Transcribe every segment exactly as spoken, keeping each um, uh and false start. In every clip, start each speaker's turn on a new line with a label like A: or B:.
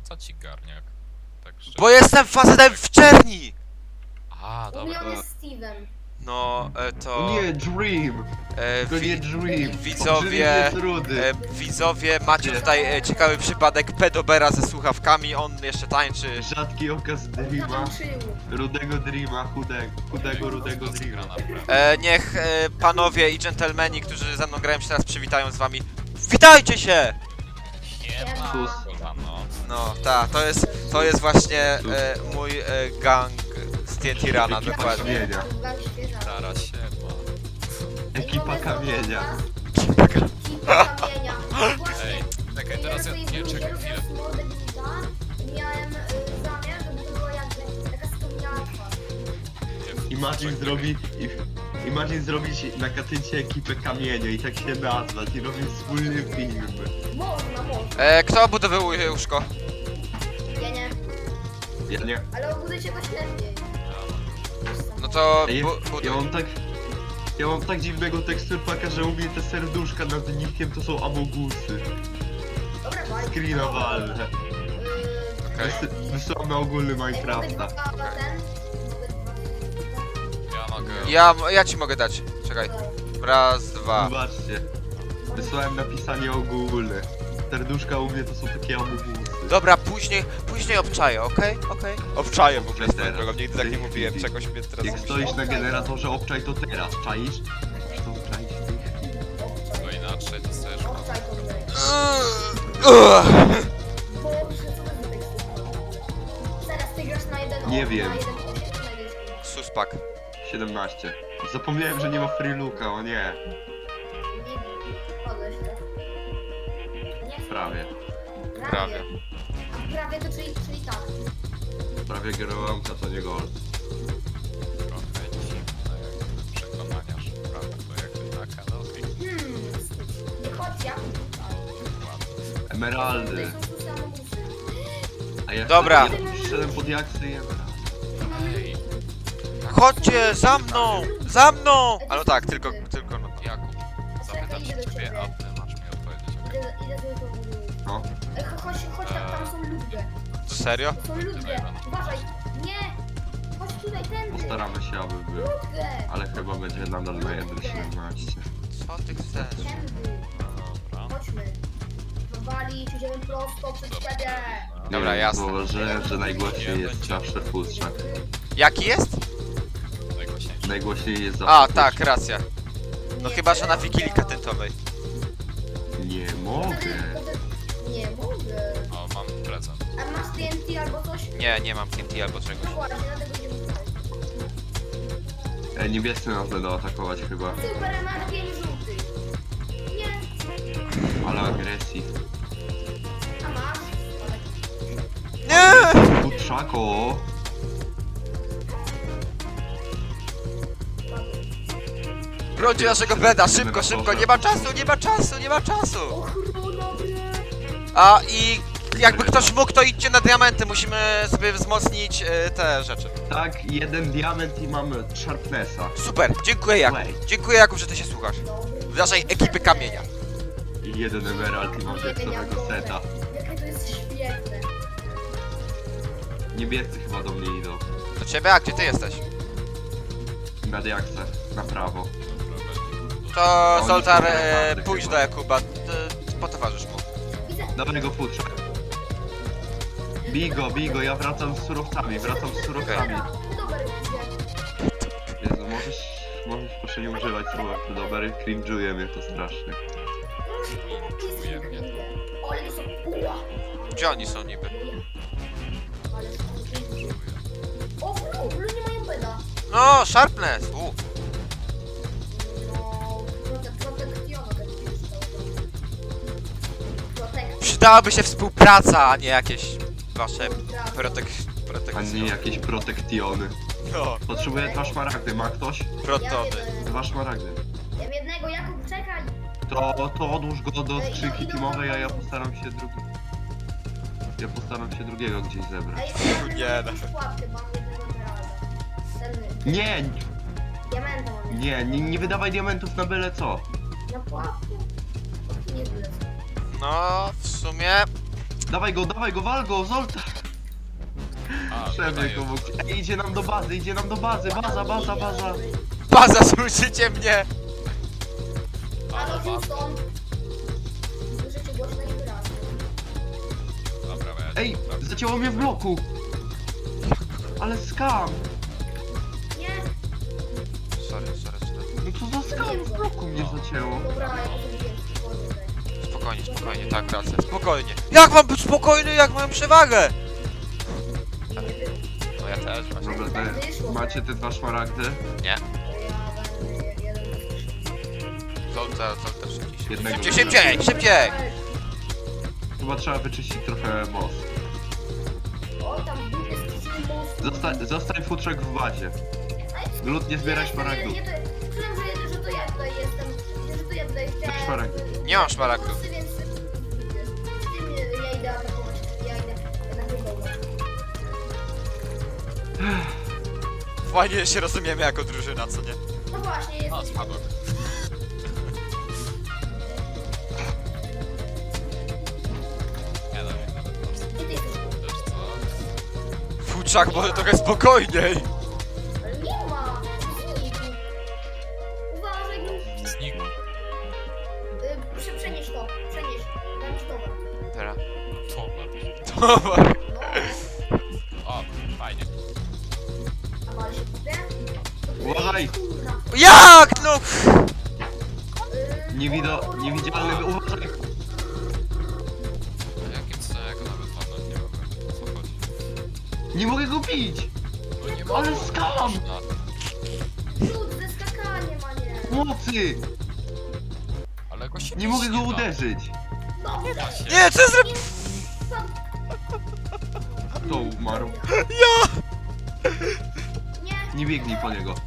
A: Co ci garniak? Tak szczerze.
B: Bo jestem facetem w czerni!
A: A,
C: U mnie
A: dobra.
C: on jest Steven.
B: No, e, to...
D: Nie, Dream!
B: E,
D: To nie
B: wi
D: Dream!
B: widzowie,
D: Jest rudy.
B: e, widzowie, macie tutaj e, ciekawy przypadek pedobera ze słuchawkami, on jeszcze tańczy.
D: Rzadki okaz Dreama.
C: Zatańczył.
D: Rudego Dreama, chudego, chudego, rudego Dreama.
B: E, niech e, panowie i dżentelmeni, którzy ze mną grają się teraz przywitają z wami. Witajcie się!
A: Nie ma.
D: Sus.
A: Kurwa, no.
B: No, tak, to jest, to jest właśnie e, mój e, gang z T N T Rana,
D: Ekipa
B: dokładnie.
D: kamienia.
C: Gang świeża.
A: Zaraz się ma.
D: Ekipa kamienia.
C: Ekipa kamienia. Właśnie.
A: Ej, czekaj, teraz ja... Nie, czekaj chwilę.
C: Miałem y, zamiar, żeby to była jakby taka wspomniała twarz.
D: Imagine zrobi... i- Imagine zrobić na katyncie ekipę kamienia i tak się nazwać i robić wspólny film.
C: Można, można.
B: E, kto obudowuje łóżko?
C: Ja nie.
D: Ja nie.
C: Ale obudujcie go lepiej.
B: No to
D: Ja,
B: bu
D: ja
B: buduj.
D: mam tak... Ja mam tak dziwnego teksturpaka, że u mnie te serduszka nad nikiem to są amogusy.
C: Dobra, bye.
D: Screena walne.
C: Yy,
B: Okej.
D: Wys- Wysłałem na ogólny
C: Ej, mogę
D: Minecrafta.
C: dwa ten? Mogę dwa-
A: Ja mogę...
B: Ja, ja ci mogę dać, czekaj. Raz, dwa.
D: Zobaczcie. Wysłałem napisanie ogólne. Serduszka u mnie to są takie amogusy.
B: Dobra, później, później obczaję, okej? Okej? Obczaję w ogóle swoją
D: Teraz.
B: drogą, nigdy tak nie
D: Ty-
B: mówiłem,
D: ty-
B: czegoś mnie teraz...
D: Jak stoisz na generatorze obczaj to teraz, czaisz? Musisz to obczaić w tej chwili.
A: Bo inaczej to chcesz...
C: Obczaj to wy.
B: Ugh.
C: Boże, co wy tutaj chcecie? Teraz ty grasz na jeden
D: Nie
C: o-
D: wiem.
C: Na jeden osiem czy na jeden dziewięć?
B: Suspak.
D: siedemnaście. Zapomniałem, że nie ma free looka, o nie.
C: Nie wiem. Podłeś to. Nie.
D: Prawie.
B: Prawie.
C: A prawie to czyli, czyli tak.
D: Prawie Gerołamca to nie gold.
A: Trochę dziwne przekonania, że prawda to jakby na kanał i
C: Hmm. Nie chodź, ja.
D: Emeraldy.
C: Tutaj są tu samobójcy.
D: A ja
B: Dobra.
D: Ja tu przyszedłem pod jaksy i emeraldy.
A: Ej,
B: Chodźcie, za mną! Za mną! Ale tak, tylko, tylko no.
A: Jakub, zapytam się ciebie, a ty masz mi odpowiedzieć, okej?
C: Idę, idę sobie to buduję.
D: No.
C: Ej, cho- chodź, chodź, tam, tam są ludzie.
B: Serio?
C: Są ludzie. Uważaj. Nie. Chodź tutaj, tędy.
D: Postaramy się, aby był.
C: Ludzie.
D: Ale chyba będzie nadal na jeden siedemnaście.
B: Co ty chcesz?
C: Tędy.
A: Dobra.
C: Chodźmy. Wywalić, idziemy prosto przed siebie.
B: Dobra,
D: Nie,
B: jasne.
D: Zauważyłem, że najgłośniej jest zawsze futrzak.
B: Jaki jest?
A: Najgłośniejszy.
D: Najgłośniej jest zawsze
B: A,
D: futrzak.
B: tak, racja. No chyba, że na Wigilii Katyntowej.
D: Nie
C: Wtedy-
D: mogę.
C: wtedy- Nie mogę.
A: O, mam prezent.
C: A masz T N T albo coś?
B: Nie, nie mam T N T albo czegoś.
C: No właśnie, dlatego idziemy tutaj.
D: E, niebiescy nas będą atakować chyba.
C: Super, masz pięć żółtych. Nie.
D: Ale agresji.
C: A masz?
B: Nie!
D: Futrzako!
B: Brońcie naszego beda, szybko, szybko, nie ma czasu, nie ma czasu, nie ma czasu!
C: Ochrona, bre.
B: A i jakby ktoś mógł, to idźcie na diamenty, musimy sobie wzmocnić e, te rzeczy.
D: Tak, jeden diament i mamy Sharpnessa.
B: Super, dziękuję Jakub. Dziękuję Jakub, że ty się słuchasz. W naszej ekipy kamienia.
D: I jeden emerald i mam diaksowego seta.
C: Jakie to jest świetne.
D: Niebiescy chyba do mnie idą.
B: Do ciebie, a gdzie ty jesteś?
D: Na diaksę, na prawo.
B: To
D: Oni
B: Zoltar,
D: są
B: e,
D: naprawdę
B: pójdź
D: chyba.
B: do Jakuba, e, potowarzysz mu.
C: Widzę.
D: Dawaj go futrzak. Bigo, bigo, ja wracam z surowcami, wracam z surowcami.
C: Dobra, idzie.
D: Jezu, możesz, możesz proszę nie używać słowa dobry, cringe'uje mnie to strasznie.
A: Czuję mnie.
C: Ale to są... Ua.
B: Gdzie oni są niby?
C: Ale są... O, w blue nie mają beda.
B: No, Sharpness! U.
C: No, prote- protekcjono tak jest. Protek...
B: Przydałaby się współpraca, a nie jakieś wasze protek...
D: A
B: protekcje.
D: nie jakieś protektiony.
B: No,
D: Potrzebuję dwa szmaragdy, ma ktoś?
B: protony.
D: Dwa szmaragdy.
C: Ja mam jednego, Jakub, czekaj!
D: To, to odłóż go do skrzynki teamowej, a ja postaram się drugi... Ja postaram się drugiego gdzieś zebrać.
C: Ej,
B: Nie,
C: nie,
B: no.
C: no. Pułapkę, mam jednego emeralda. Ten
D: Nie,
C: diamenta mam.
D: nie, nie, nie wydawaj diamentów na byle co.
C: Na pułapkę? Nie tyle.
B: No, w sumie...
D: Dawaj go, dawaj go, wal go, Zolta!
A: A,
D: Przebieg
A: dodaję.
D: obok. Ej, idzie nam do bazy, idzie nam do bazy, baza, baza, baza.
B: Baza, słyszycie mnie?
A: A,
C: Halo,
A: dobra,
C: Houston. Słyszycie głośno i wyraźnie.
A: dobra, ja
D: Ej, zacięło mnie w bloku. Ale skam.
C: Nie,
B: Sorry, sorry, sorry.
D: No co za skam, w bloku mnie zacięło.
C: dobra, ja to zrobiłem spokojnie tutaj.
B: Spokojnie, spokojnie, tak, rację, spokojnie. Jak mam być spokojny, jak mam przewagę?
C: Nie wiem,
A: No ja też właśnie.
D: Dobra, te, macie te dwa szmaragdy?
B: Nie.
C: ja będę jeden
B: Zolta, Zolta, szybciej,
D: Jednego
B: szybciej, szybciej, szybciej!
D: Chyba trzeba wyczyścić trochę boss.
C: O, tam w dupie skrzyni most.
D: Zosta zostań futrzek w bazie. Lud nie zbieraj szmaragdów.
C: Nie, nie, to- myślałem, że, jedę, że to ja tutaj jestem. Że to ja tutaj chciałem.
D: szmaragdy.
B: Nie mam szmaragdów.
C: Pomocy, więc z tym ja idę atakować. Ja idę na chyba.
B: Fajnie się rozumiemy jako drużyna, co nie?
C: No właśnie, jest.
A: A, spadłem. Nie dam mi nawet po prostu.
C: Gdzie ty jesteś?
A: Wiesz co?
B: Futrzak, może trochę spokojniej.
C: Ale nie ma. Znikł. Uważaj, no.
A: Znikł.
C: Y, prze- Przenieś to. Przenieś. Dam ci towar.
B: Teraz.
A: Towar.
B: Towar.
C: No.
A: O, fajnie.
C: A mal się kupię?
D: Uważaj!
C: Kurna.
B: Jak? No!
C: Y,
D: Niewido
C: o, o, o,
D: niewidzialny, uważaj!
A: A jakim co ja go nawet walnąć nie mogę? O co chodzi?
D: Nie mogę go bić!
A: No nie
D: Ale
A: mogę.
D: skam!
A: No,
C: Cud ze skakaniem, a nie.
D: Mocy!
A: ale go się
D: Nie mogę go
A: da.
D: uderzyć!
C: No,
A: Nie da się.
B: Nie, co ja zrobię?
D: Kto umarł?
C: Nie,
D: Nie biegnij po niego.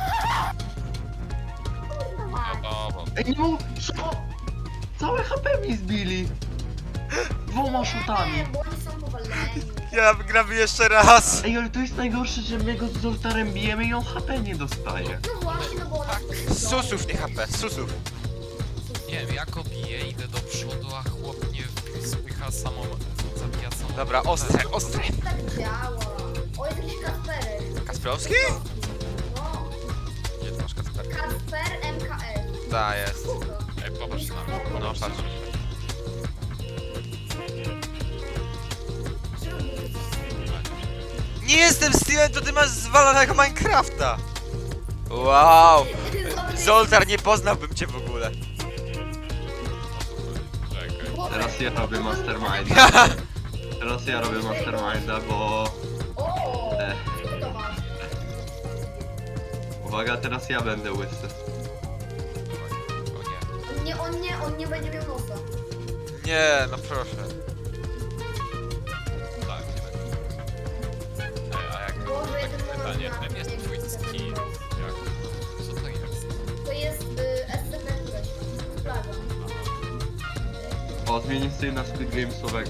C: kurwa
A: No
C: mać.
A: dobra.
D: Ej, nie mogę... Co? Całe H P mi zbili! Dwoma szutami.
C: Nie, bo oni są powaleni.
B: Ja wygramy jeszcze raz.
D: Ej, ale to jest najgorsze, że my go z Zoltarem bijemy i on H P nie dostaje.
C: No właśnie, no bo ona...
B: Susów, nie H P, susów.
A: Nie wiem, ja go biję, idę do przodu, a chłop nie spycha samą... zabija samą...
B: Dobra, ostre, ostre.
C: Tak działa. O, jest jakiś Kasperek.
B: Kasprowski?
C: No,
B: Gdzie ty masz Kasper?
C: Kasper M K L.
B: Ta jest.
C: Spoko.
A: Ej, popatrz na mnie.
B: No
A: popatrz na
B: patrz.
A: mnie.
C: Czemu nie jesteś-
B: Nie jestem Steven, to ty masz zwalonego Minecrafta. Wow. Zoltar, nie poznałbym cię w ogóle.
A: Czekaj.
D: Teraz ja robię Masterminda. Teraz ja robię Masterminda, bo...
C: O,
D: E,
C: co ty to masz?
D: uwaga, teraz ja będę łysy.
A: O nie.
C: On nie, on nie, on nie będzie miał nosa.
B: Nie, no proszę.
A: Tak, nie będzie. Ej, a jak...
C: Boże, ja ten
A: Takie pytanie,
C: moment
A: czym jest
C: nie
A: twój
C: chcę
A: skin?
C: tego.
A: Jak? Co to jest?
C: To jest y, S C P Plaga.
D: O, zmienię sobie na Squid Gamesowego.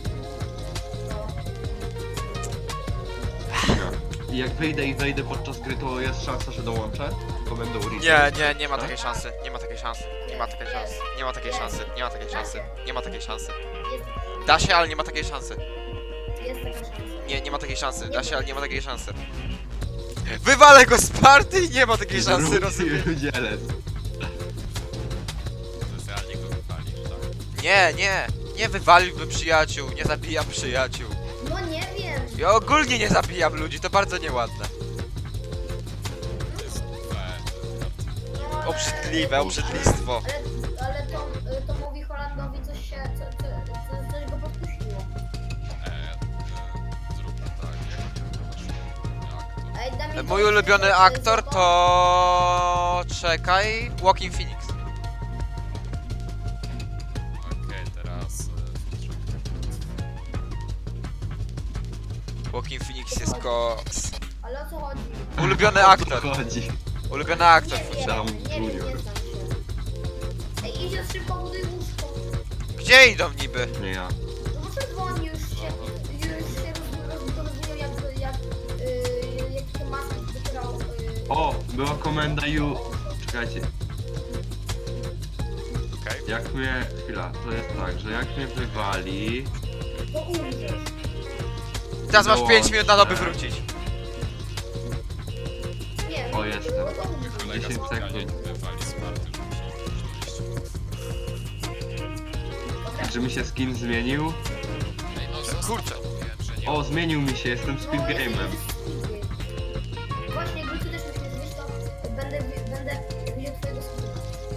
D: I jak wyjdę i wejdę podczas gry, to jest szansa, że dołączę? To będę ulicy.
B: Nie, nie, nie ma takiej szansy. Nie ma takiej szansy. Nie ma takiej szansy. Nie ma takiej szansy. Nie ma takiej szansy. Nie ma takiej szansy.
C: Jest,
B: Da się, ale nie ma takiej szansy.
C: jest taka szansa.
B: Nie, nie ma takiej szansy. Da się, ale nie ma takiej szansy. Wywalę go z party i nie ma takiej szansy, rozumiesz?
D: Rozumiem.
A: Specjalnie go wypalisz, tak?
B: Nie, nie. Nie wywaliłbym przyjaciół, nie zabijam przyjaciół.
C: No nie wiem.
B: Ja ogólnie nie zabijam ludzi, to bardzo nieładne.
A: To jest fair.
C: No, ale-
B: Obrzydliwe, obrzydlistwo.
C: Ale, ale to, y, to mówi Holandowi coś się, co, co, co, coś go podpuściło.
A: Ej, e, zróbmy tak, jak nie masz
C: Ej, daj mi
B: Mój
C: to-
B: ulubiony
C: y,
B: aktor
C: zobacz.
B: to... Czekaj... Joaquin Phoenix.
A: Okej, teraz... e,
B: Joaquin Phoenix jest koks.
C: Ale o co chodzi?
B: Ulubiony
D: O co
B: aktor.
D: chodzi?
B: Ulubiony aktor.
C: Nie wiem,
D: Down
C: nie wiem, nie
D: Junior.
C: znam się. Ej, idzie szybko, buduj łóżko.
B: Gdzie idą niby?
D: Nie ja.
C: No bo czerwoni już się, już się rozbudowywał jak, jak, y, jak te maski wybrał. Y,
D: O, była komenda you... Czekajcie,
A: Okej.
D: jak mnie... Chwila, to jest tak, że jak mnie wywali...
C: To umrzesz.
B: Teraz masz
D: Dołączę.
B: pięć minut na to, by wrócić.
C: Nie,
D: O, jestem.
C: to umrzesz.
A: Kolega
D: dziesięć
A: specjalnie
D: sekund.
A: wywali smarty, żeby musiał dojść.
D: Czy mi się skin zmienił?
A: Ej, no zostaw,
B: Kurczę.
A: to mówiłem, że nie.
D: O, zmienił mi się, jestem
C: No,
D: Speed Game'em.
C: Właśnie, gdy ty też mnie zmienisz, to będę, będę widział twojego skina.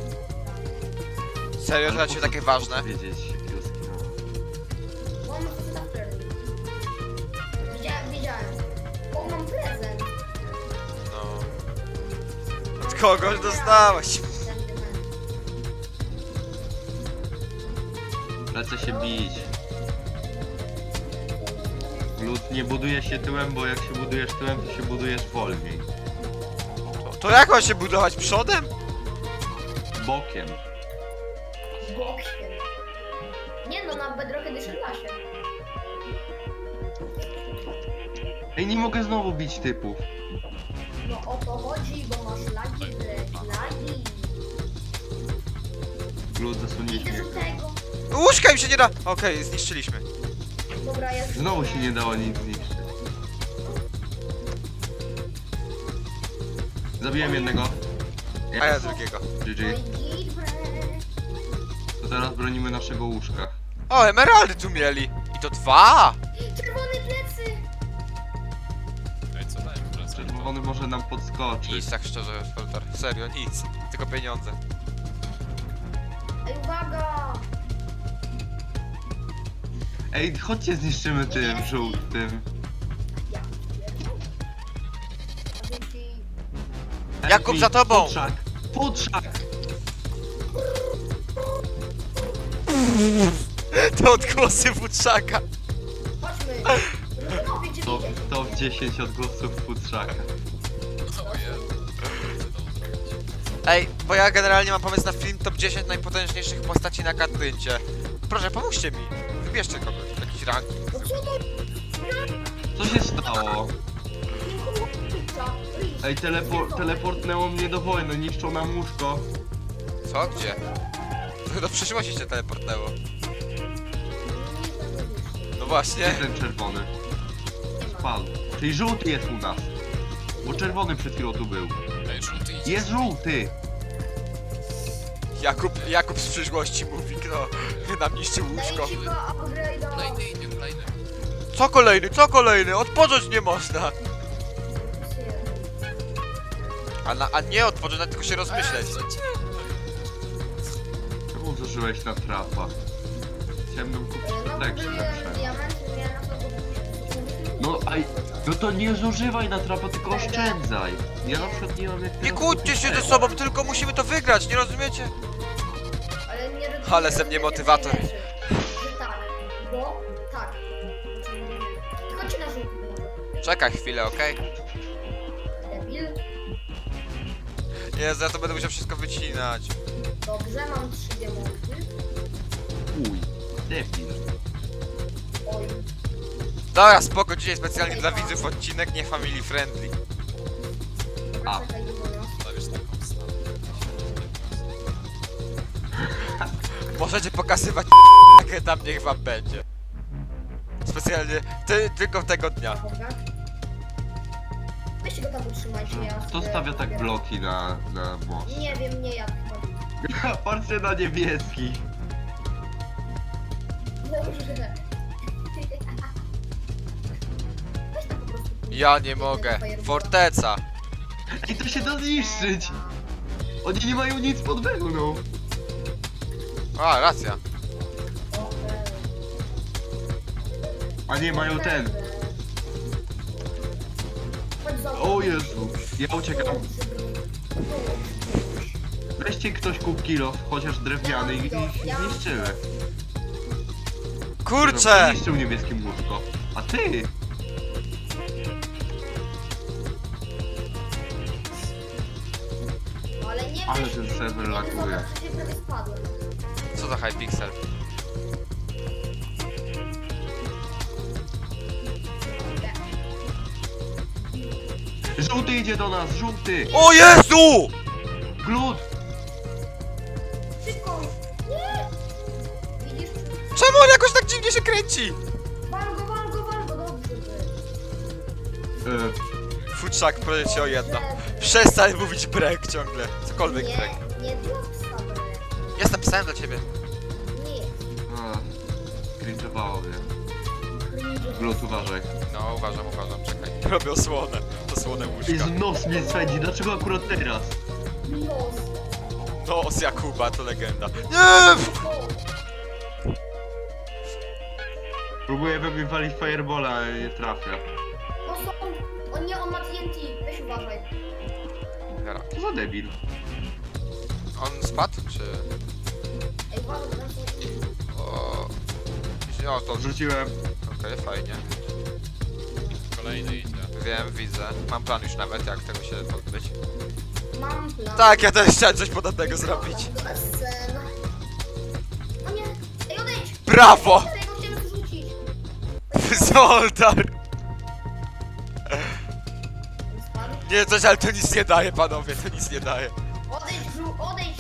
B: Serio, to dla ciebie takie ważne?
D: Wiedzieć, jakiego skina.
C: Bo mam faceta w prezent. Widziałem, widziałem. O, mam prezent.
B: No. Od kogoś dostałeś.
D: Lecę się bić. Lud nie buduje się tyłem, bo jak się budujesz tyłem, to się budujesz wolniej.
B: To jak ma się budować? Przodem?
D: Bokiem.
C: Bokiem. Nie no, na Bedrock Edition da się.
D: Ej, nie mogę znowu bić typów.
C: No o to chodzi, bo masz lagi, bleć, lagi.
D: Lud zasunięć
C: Idę
D: mnie.
C: do tego.
B: Łóżka im się nie da! Okej, zniszczyliśmy.
C: Dobra, ja
D: Znowu się nie dało nic zniszczyć. Zabiłem jednego.
B: A ja drugiego.
D: G G.
C: Oj, git, bre.
D: To teraz bronimy naszego łóżka.
B: O, emeraldy tu mieli. I to dwa!
C: Czerwone plecy.
A: Ej, co dałem prezent?
D: Czerwony może nam podskoczyć.
B: Nic, tak szczerze, Foltar. Serio, nic. Tylko pieniądze.
C: Ej, uwaga.
D: Ej, chodźcie zniszczymy tym żółtym.
C: Ja. A dzięki.
B: Jakub, za tobą!
D: Futrzak! Futrzak!
B: To odgłosy Futrzaka.
C: Chodźmy. No, gdzie
D: To,
C: widzieć?
D: to w dziesięć odgłosów futrzaka.
A: O Jezu. Co to zrobić?
B: Ej, bo ja generalnie mam pomysł na film top dziesięć najpotężniejszych postaci na katyncie. Proszę, pomóżcie mi. Wybierzcie kogoś, jakiś ranking.
C: No co to?
D: Co się stało?
C: Pizza. Riz.
D: Ej, telepo teleportnęło mnie do wojny, niszczą nam łóżko.
B: Co? Gdzie? To do przyszłości cię teleportnęło. No właśnie.
D: Gdzie ten czerwony? Spadł. Czyli żółty jest u nas. Bo czerwony przed chwilą tu był.
A: Ej, żółty idzie.
D: Jest żółty!
B: Jakub, Jakub z przyszłości mówi, kto nam niszczy łóżko.
C: Dajcie go upgrade'a.
A: Kolejny idzie, kolejny.
B: Co kolejny, co kolejny? Odpocząć nie można. A, na, a nie odpocząć, a tylko się rozmyśleć.
A: Ej, co cię?
D: Czemu zużyłeś na trapa? Chciałem nam kupić
C: No,
D: protection
C: kupiłem
D: lepsze.
C: diament, miałem na to
D: No, aj, no to nie zużywaj na trapa, tylko oszczędzaj. Ja na przykład nie mam jak
B: Nie
D: teraz
B: kłóćcie
D: kupić
B: się ze
D: tego.
B: sobą, tylko musimy to wygrać, nie rozumiecie?
C: Ale nie rozumiem,
B: Ale ze mnie
C: że
B: motywator.
C: rzeczy. Że tak, bo tak. Chodźcie na żółty może.
B: Czekaj chwilę, okej?
C: Debil.
B: Nie, za to będę musiał wszystko wycinać.
C: Dobrze, mam trzy diamenty.
D: Uj, debil.
C: Oj.
B: Dobra, spoko, dzisiaj specjalnie dla widzów odcinek nie family friendly.
C: Dobra,
D: A.
C: czekaj, nie wolno.
A: Stawisz taką stawę.
B: Możecie pokazywać jakie tam niech wam będzie. Specjalnie, ty, tylko tego dnia.
C: Dobra. Weźcie go tam utrzymajcie, ja
D: Kto
C: sobie
D: stawia tak
C: pobieram.
D: bloki na, na most?
C: Nie wiem, nie ja chyba.
D: Patrzcie na niebieski.
C: Dobrze. Weź tam po prostu.
B: Ja nie mogę. Forteca.
D: Ej, to się da zniszczyć! Oni nie mają nic pod wełną.
B: A, racja.
C: O, e,
D: A nie, mają ten.
C: Chodź za
D: O Jezu, ja uciekam. Weźcie ktoś kup kilo, chociaż drewniany i ich zniszczymy.
B: Kurczę!
D: Zniszczył niebieskim łóżko. A ty?
C: Ale nie
D: Ale
C: wiesz,
D: ten serwer
C: nie
D: laguje.
C: zobacz, że się prawie spadłem.
B: Co za Hypixel?
D: Żółty idzie do nas, żółty!
B: O Jezu!
D: Glut!
C: Szybko! Nie! Widzisz?
B: Czemu on jakoś tak dziwnie się kręci?
D: E,
B: Futrzak, proszę cię o jedno. Przestań mówić brek ciągle. Cokolwiek brek.
C: Nie, nie dla psa brek.
B: Jestem psem dla ciebie.
C: Nie.
D: a, cringe'owało mnie.
C: Cringe.
D: Glut, uważaj.
B: No, uważam, uważam, czekaj. Robię osłonę. Osłonę łóżka.
D: I z nos mnie swędzi, dlaczego akurat teraz?
C: Nos.
B: No, z Jakuba, to legenda. Nie!
C: O,
D: Próbuję we mnie walić firebola, ale nie trafia.
C: no są. O nie, on ma T N T. Weź uważaj.
B: Dobra.
D: Co za debil?
B: On spadł, czy...
C: Ej, uważaj, bo tam są inni.
B: O... O, to...
D: Wrzuciłem.
B: Okej, fajnie.
A: Kolejny idzie.
B: Wiem, widzę. Mam plan już nawet, jak tego się pozbyć.
C: Mam plan.
B: Tak, ja też chciałem coś podobnego zrobić.
C: Sen. O nie. Ej, odejdź.
B: Brawo!
C: Tego chciałem zrzucić.
B: Zoltar!
C: On spadł.
B: Nie, coś, ale to nic nie daje, panowie, to nic nie daje.
C: Odejdź, żu, odejdź.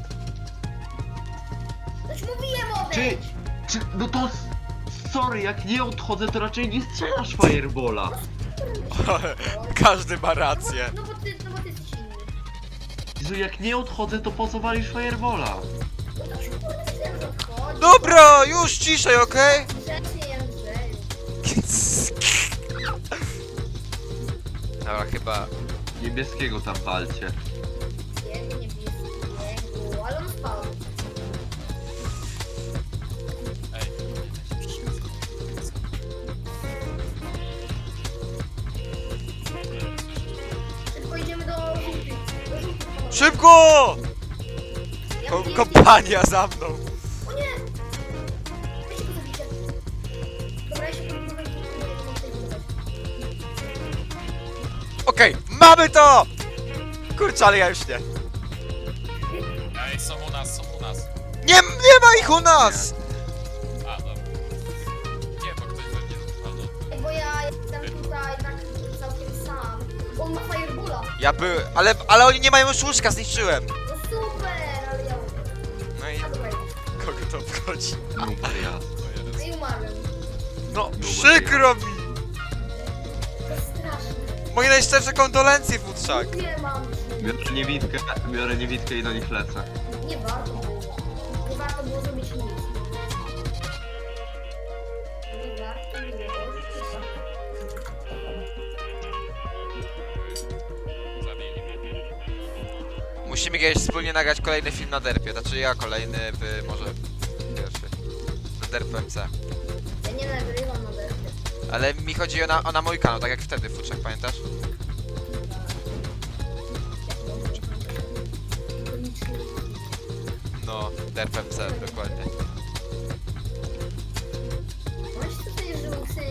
C: Coś mówiłem,
D: Czy,
C: odejdź.
D: czy, no to... s- Sorry, jak nie odchodzę, to raczej nie strzelasz firebola.
B: Każdy ma
C: No
B: rację.
C: bo, no bo ty, no bo ty jesteś inny.
D: Jezu, jak nie odchodzę, to po co walisz firebola?
C: No to się kurde myślałem, że odchodzi.
B: Dobra, już ciszej, okej?
C: Grzecznie, Andrzeju.
B: Dobra, chyba...
D: Niebieskiego tam walcie.
C: Jego niebieskiego, ale on spał.
A: Ej.
C: Szybko idziemy do żółtych. Do żółtych. panowie.
B: Szybko!
C: Ja
B: Ko
C: mówię,
B: kompania za mną.
C: O nie! Weźcie go zabicie. Dobra, ja się próbuję
B: Okej, mamy to! Kurczę, ale ja już nie.
A: Ej, są u nas, są u nas.
B: Nie, nie ma ich u nas!
A: A, dobra. Nie, bo ktoś we mnie walnął.
C: Bo ja jestem tutaj tak całkiem sam. On ma firebola.
B: Ja by... ale, ale oni nie mają już łóżka, zniszczyłem.
C: No super, ale ja umiem.
B: No i
C: A dobra,
B: kogo to obchodzi?
D: Numer ja.
A: To jeden.
C: no i umarłem.
B: No, przykro mi!
C: To jest straszne.
B: Moje najszczersze kondolencje, Futrzak.
C: Nie mam już.
D: Biorę niewidkę, biorę niewidkę i do nich lecę.
C: Nie warto było. Nie warto było zrobić nic. Nie warto było.
A: Zabili mnie.
B: Musimy kiedyś wspólnie nagrać kolejny film na derpie. Znaczy ja kolejny, wy może pierwszy. Na derp M C.
C: Ja nie nagrywam na derby.
B: Ale mi chodzi o na, o na mój kanał, tak jak wtedy, Futrzak, pamiętasz? No, derp M C, dokładnie.
C: Masz tutaj żółty.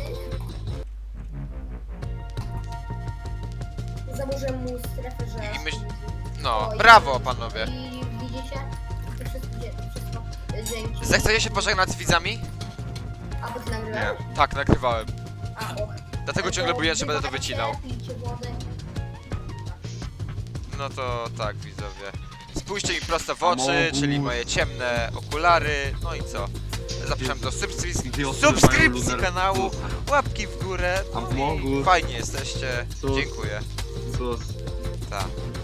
C: Zaburzę mu strefę, że...
B: I myśl- No,
C: O, i-
B: brawo, panowie.
C: I widzicie? To wszystko, gdzie- to wszystko. y, Dzięki.
B: Zechcecie się pożegnać z widzami?
C: A, bo ty nagrywałeś?
B: Tak, nagrywałem.
C: A, och.
B: Dlatego ciągle boję, że będę to wycinał.
C: Pijcie wodę.
B: No to tak, widzowie. Spójrzcie mi prosto w oczy,
D: Amogus.
B: czyli moje ciemne okulary. No i co? Zapraszam do subskrypcji,
D: Dwie osoby mają
B: subskrypcji
D: lunar-
B: kanału, łapki w górę. No i
D: Amogus.
B: fajnie jesteście.
D: Sus.
B: Dziękuję.
D: Sus.
B: Tak.